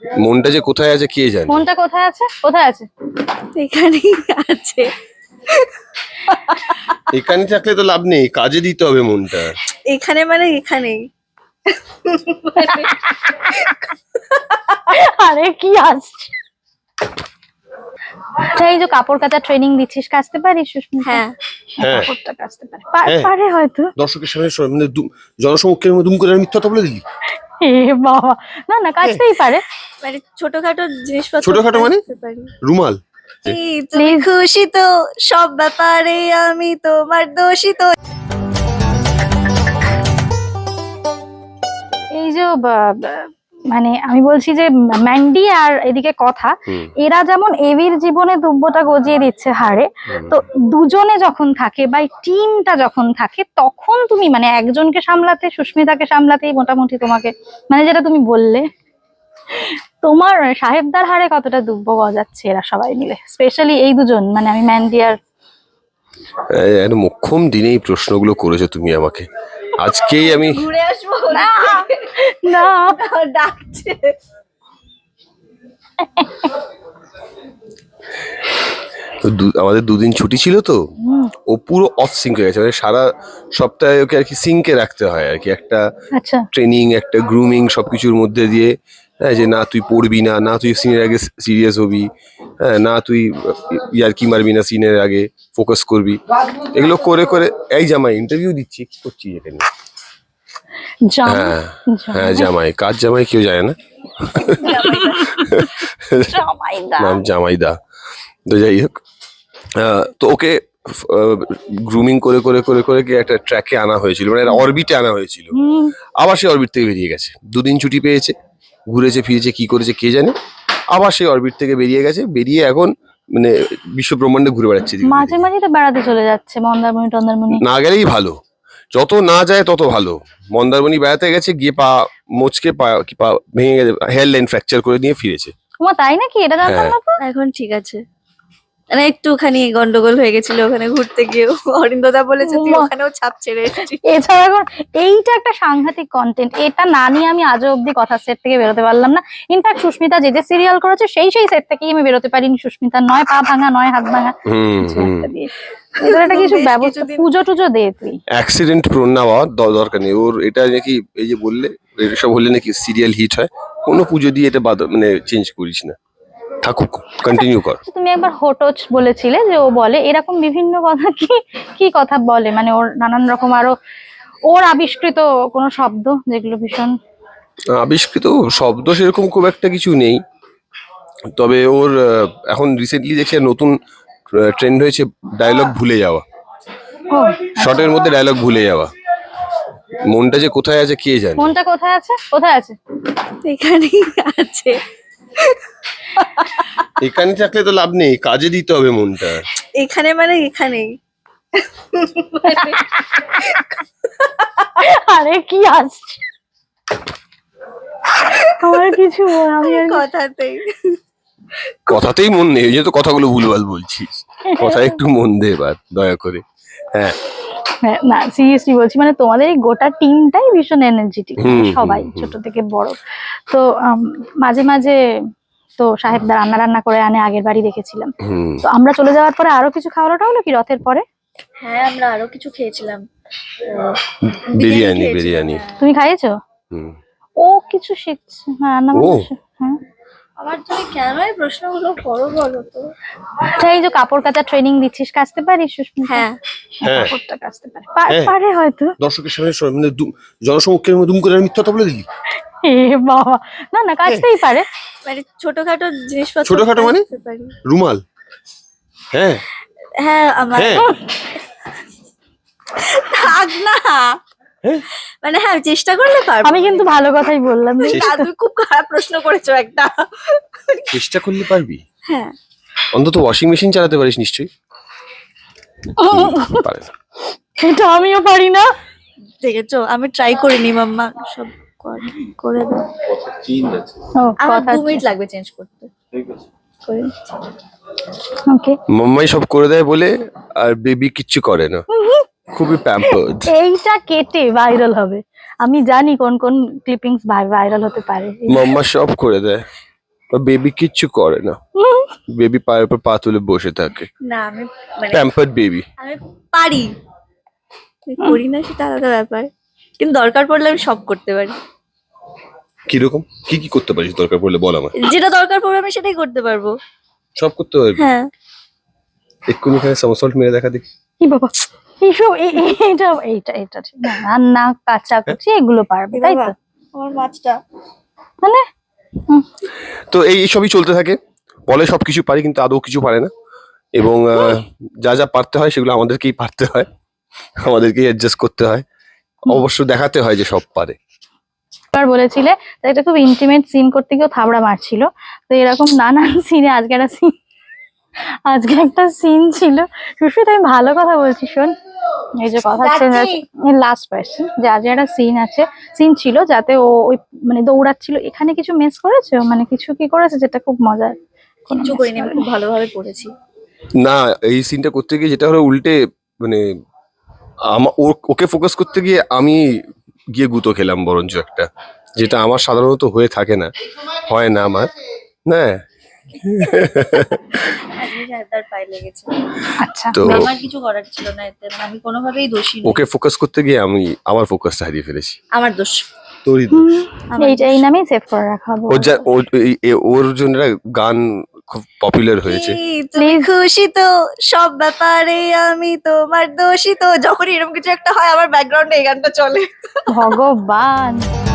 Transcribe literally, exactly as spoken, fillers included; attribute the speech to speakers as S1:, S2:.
S1: মনটা যে কোথায় আছে কে জানে?
S2: মনটা কোথায় আছে? কোথায় আছে?
S3: এখানেই আছে।
S1: এখানে থাকলে তো লাভ নেই, কাজে দিতে হবে মনটা।
S3: এখানে মানে এখানেই।
S2: আরে কি আসছে? এই যে কাপড় কাচা ট্রেনিং দিচ্ছিস, কাচতে পারিস সুস্মিতা?
S3: হ্যাঁ
S1: হ্যাঁ।
S2: কাপড়টা কাচতে পারে। পা-
S1: হ্যাঁ।
S2: পারে হয়তো।
S1: দর্শকের সামনে সব- মানে দু- জনসমক্ষের মধ্যে দুম করে আমি মিথ্যা কথা বলে দিলি।
S2: এ বাবা, না না কাচতেই পারে।
S3: মানে ছোটখাটো জিনিসপত্র
S1: ছোটখাটো মানে?
S3: কাচতে পারি।
S1: রুমাল।
S3: এই তুমি
S2: Please.
S3: খুশি তো সব ব্যাপারে আমি তোমার দোষী তো।
S2: এই যে বা- বা- মানে আমি বলছি যে ম্যান্ডি আর এদিকে কথা,
S1: হুম।
S2: এরা যেমন এভির জীবনে দুব্বটা গজিয়ে দিচ্ছে হারে, তো দুজনে যখন থাকে বা টিমটা যখন থাকে তখন তুমি মানে একজনকে সামলাতে, সুস্মিতাকে সামলাতেই মোটামুটি তোমাকে, মানে যেটা তুমি বললে তোমার সাহেবদার হারে কতটা দুব্ব গজাচ্ছে এরা সবাই মিলে, স্পেশালি এই দুজন, মানে আমি ম্যান্ডি আর
S1: এই মোক্ষম দিনেই প্রশ্নগুলো করেছো তুমি আমাকে। আজকেই আমি
S3: ঘুরে আসবো
S2: না না
S3: ডাকছে।
S1: তো দু- আমাদের দুদিন ছুটি ছিল তো, ও পুরো অফ সিঙ্ক হয়ে গেছে, মানে সারা সপ্তাহে ওকে আর কি সিঙ্কে রাখতে হয় আর কি, একটা
S2: আচ্ছা
S1: ট্রেনিং একটা গ্রুমিং সবকিছুর মধ্যে দিয়ে। হ্যাঁ, যে না তুই পড়বি না, না তুই সিনের আগে সিরিয়াস হবি, হ্যাঁ না তুই ইয়ার্কি মারবি না, সিনের আগে ফোকাস করবি, এগুলো করে করে এই জামাই ইন্টারভিউ দিচ্ছি কি করছি এখানে।
S2: জামাই
S1: হ্যাঁ হ্যাঁ জামাই, কাজ জামাই কেউ জানে না,
S2: জামাইদা
S1: নাম জামাইদা। তো যাই হোক, আহ, তো ওকে গ্রুমিং করে করে করে করে কি একটা ট্র্যাকে আনা হয়েছিল, মানে অরবিটে আনা হয়েছিল।
S2: হুম
S1: আবার সে অরবিট থেকে বেরিয়ে গেছে, দুদিন ছুটি পেয়েছে, ঘুরেছে ফিরেছে কি করেছে কে জানে, আবার সেই অরবিট থেকে বেরিয়ে গেছে, বেরিয়ে এখন মানে বিশ্ব ব্রহ্মাণ্ডে ঘুরে বেড়াচ্ছে এদিকে
S2: মাঝে
S1: ওদিকে।
S2: মাঝে তো বেড়াতে চলে যাচ্ছে মন্দারমণি টন্দারমণি।
S1: না গেলেই ভালো, যত না যায় তত ভালো। মন্দারমণি বেড়াতে গেছে, গিয়ে পা মোচকে পা কি পা ভেঙে গেছে, হেয়ার লাইন ফ্র্যাকচার করে নিয়ে ফিরেছে।
S2: তোমার তাই নাকি? এটা জানতাম
S1: হ্যাঁ।
S2: না তো।
S3: এখন ঠিক আছে, মানে একটুখানি গন্ডগোল হয়ে গেছিল ওখানে ঘুরতে গিয়ে। অরিন্দদা বলেছে তুই
S2: উমা।
S3: ওখানেও ছাপ ছেড়ে এসেছিস।
S2: এছাড়া এখন এইটা একটা সাংঘাতিক কন্টেন্ট, এটা না নিয়ে আমি আজও অব্দি কথার সেট থেকে বেরোতে পারলাম না। ইনফ্যাক্ট সুস্মিতা যে যে সিরিয়াল করেছে সেই সেই সেট থেকেই আমি বেরোতে পারিনি। সুস্মিতা নয় পা ভাঙা নয় হাত ভাঙা
S1: হুম
S2: কিছু
S1: হুম
S2: একটা দিয়ে, এগুলো একটা কিছু
S3: বেশ
S2: ব্যবস্থা,
S3: কিছুদিন-
S2: পুজো টুজো দে তুই।
S1: অ্যাক্সিডেন্ট প্রোন না হওয়ার দ- দরকার নেই ওর, এটা নাকি এই যে বললে এসব হলে নাকি সিরিয়াল হিট হয়, কোনো পুজো দিয়ে এটা বাদ মানে চেঞ্জ করিস না, থাকুক কন্টিনিউ কর।
S2: তুমি একবার হোটোচ বলেছিলে যে ও বলে এরকম বিভিন্ন কথা, কি কি কথা বলে, মানে ওর নানান রকম আরো ওর আবিষ্কৃত কোনো শব্দ যেগুলো ভীষণ
S1: আবিষ্কৃত শব্দ সেরকম খুব একটা কিছু নেই, তবে ওর আহ, এখন রিসেন্টলি দেখছি নতুন ট্রেন্ড হয়েছে ডায়লগ ভুলে যাওয়া,
S2: ও
S1: শর্টের মধ্যে ডায়লগ ভুলে যাওয়া। মনটা যে কোথায় আছে কে জানে?
S2: মনটা কোথায় আছে? কোথায় আছে?
S3: এখানেই আছে।
S1: এখানে থাকলে তো লাভ নেই, কাজে দিতে হবে মনটা।
S3: এখানে মানে এখানেই।
S2: আরে কি আসছে? আমার কিছু বল, আমি আর
S3: কথাতেই
S1: কথাতেই মন নেই, ওই জন্য তো কথাগুলো ভুলভাল বলছিস, কথায় একটু মন দে এবার দয়া করে। হ্যাঁ
S2: হ্যাঁ, না সিরিয়াসলি বলছি, মানে তোমাদের এই গোটা টিমটাই ভীষণ এনার্জেটিক,
S1: হুম,
S2: সবাই
S1: হুম, হুম।
S2: ছোট থেকে বড়। তো আম, মাঝে মাঝে তো সাহেবদা রান্না রান্না করে আনে, আগের বাড়ি দেখেছিলাম।
S1: হুম।
S2: তো আমরা চলে যাওয়ার পরে আরো কিছু খাওয়াটা হলো কি রথের পরে?
S3: হ্যাঁ আমরা আরো কিছু খেয়েছিলাম।
S1: বিরিয়ানি
S3: খেয়েছিলাম,
S1: বিরিয়ানি
S3: হ্যাঁ।
S2: তুমি খাইয়েছো?
S1: হুম।
S2: ও কিছু শিখছে, হ্যাঁ রান্না
S1: ও।
S2: বান্না শি- হ্যাঁ।
S3: আমার তুমি কেন এই প্রশ্নগুলো করো বলো তো?
S2: আচ্ছা, এই যে কাপড় কাচা ট্রেনিং দিচ্ছিস, কাচতে পারিস সুস্মিতা?
S3: হ্যাঁ
S1: হ্যাঁ।
S2: কাপড়টা কাচতে পারে। পা-
S1: হ্যাঁ।
S2: পারে হয়তো।
S1: দর্শকের সামনে সব- মানে দু- জনসমক্ষের মধ্যে দুম করে আমি মিথ্যা কথা বলে দিলি।
S2: এ বাবা, না না কাচতেই পারে।
S3: মানে ছোটখাটো জিনিসপত্র
S1: ছোটখাটো মানে?
S3: কাচতে পারি।
S1: রুমাল। হ্যাঁ
S3: হ্যাঁ আমার
S1: হ্যাঁ
S3: থাক না,
S1: হ্যাঁ।
S3: মানে হ্যাঁ চেষ্টা করলে পারবো।
S2: আমি কিন্তু ভালো কথাই বললাম।
S3: না, তুমি খুব খারাপ প্রশ্ন করেছো একটা।
S1: চেষ্টা করলে পারবি,
S3: হ্যাঁ
S1: অন্তত ওয়াশিং মেশিন চালাতে পারিস নিশ্চয়ই। পারে না।
S2: এটা আমিও পারি না।
S3: দেখেছো আমি ট্রাই করিনি মাম্মা, সব কর- করে দাও।
S2: ও
S3: আমার
S2: কথা
S3: দু মিনিট লাগবে চেঞ্জ করতে। করে দিচ্ছি।
S2: ওকে,
S1: মাম্মাই সব করে দেয় বলে আর বেবি কিচ্ছু করে না, খুবই প্যাম্পার্ড।
S2: এইটা কেটে ভাইরাল হবে, আমি জানি কোন কোন ক্লিপিংস ভাইরাল হতে পারে।
S1: মাম্মা সব করে দেয়। বেবি কিচ্ছু করে না, বেবি পায়ের উপর পা তুলে বসে থাকে,
S3: না আমি মানে
S1: প্যাম্পার্ড বেবি।
S3: আমি পারি, আমি করি না সেটা আলাদা ব্যাপার, কিন্তু দরকার পড়লে আমি সব করতে পারি।
S1: কিরকম কি কি করতে পারিস দরকার পড়লে বল আমার।
S3: যেটা দরকার পড়বে আমি সেটাই করতে পারবো।
S1: সব করতে পারবি?
S3: হ্যাঁ।
S1: এক্ষুনি এখানে সামসল্ট মেরে দেখা দেখি।
S2: কি বাবা এইসব এ- এ- এটা এইটা এটা ঠিক না, রান্না কাচাকুচি এগুলো পারবে তাই তো?
S3: আমার মাছটা
S2: মানে
S1: তো এই এই সবই চলতে থাকে, বলে সবকিছু পারি কিন্তু আদৌ কিছু পারে না, এবং আহ, যা যা পারতে হয় সেগুলো আমাদেরকেই পারতে হয়, আমাদেরকেই অ্যাডজাস্ট করতে হয়, অবশ্য দেখাতে হয় যে সব পারে।
S2: এবার বলেছিলে যে এটা খুব ইন্টিমেট সিন করতে গিয়েও থাবড়া মারছিল, তো এরকম নানান সিনে আজকে একটা সিন আজকে একটা সিন ছিল। সুস্মিত আমি ভালো কথা বলছি, শোন এই যে কথা
S3: যাচ্ছি।
S2: লাস্ট পার্সন যে আজকে একটা সিন আছে, সিন ছিল যাতে ও ওই মানে দৌড়াচ্ছিল, এখানে কিছু মিস করেছে ও? মানে কিছু কি করেছে যেটা খুব মজার? কোনো
S3: কিচ্ছু
S2: miss
S3: করিনি, আমি
S2: করেনি?
S3: খুব ভালোভাবে পড়েছি।
S1: না, এই সিনটা করতে গিয়ে যেটা হলো উল্টে মানে আমা- ও- ওকে ফোকাস করতে গিয়ে আমি গিয়ে গুঁতো খেলাম বরঞ্চ একটা, যেটা আমার সাধারণত হয়ে থাকে না, হয় না আমার, হ্যাঁ।
S3: আজকে সাহেবদার পায়ে লেগেছে।
S2: আচ্ছা
S1: তো
S3: আমার কিছু করার ছিল না এতে, মানে আমি কোনোভাবেই দোষী নই।
S1: ওকে ফোকাস করতে গিয়ে আমি আমার ফোকাসটা হারিয়ে ফেলেছি।
S3: আমার দোষ।
S1: তোরই
S2: হুম,
S3: আমার
S2: এইটা এই নামেই সেভ করে রাখাবো।
S1: ওর যা ওর এই- এ- ওর জন্য একটা গান খুব পপুলার হয়েছে,
S3: কি, তুমি
S2: Please.
S3: খুশি তো সব ব্যাপারে আমি তোমার দোষী তো, যখনই এরকম কিছু একটা হয় আমার ব্যাকগ্রাউন্ডে এই গানটা চলে।
S2: ভগবান